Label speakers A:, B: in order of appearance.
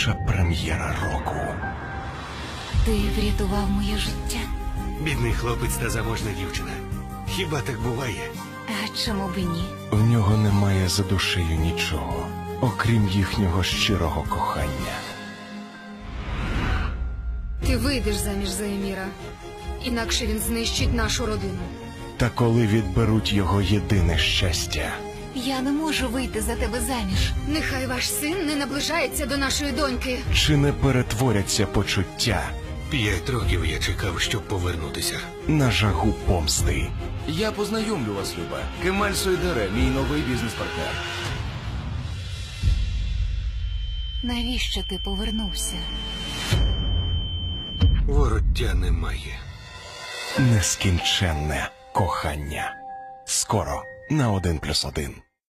A: найбільша прем'єра року.
B: Ти врятував моє життя.
C: Бідний хлопець та заможна дівчина. Хіба так буває?
B: А чому б і ні?
A: В нього немає за душею нічого, окрім їхнього щирого кохання.
D: Ти вийдеш заміж за Еміра, інакше він знищить нашу родину.
A: Та коли відберуть його єдине щастя,
B: Я не можу вийти за тебе заміж.
D: Нехай ваш син не наближається до нашої доньки.
A: чи не перетворяться почуття
C: 5 років я чекав, щоб повернутися.
A: на жагу помсти?
E: Я познайомлю вас, Люба. Кемаль Сойдере, мій новий бізнес-партнер.
B: Навіщо ти повернувся?
C: Вороття немає.
A: Нескінченне кохання. Скоро на 1+1.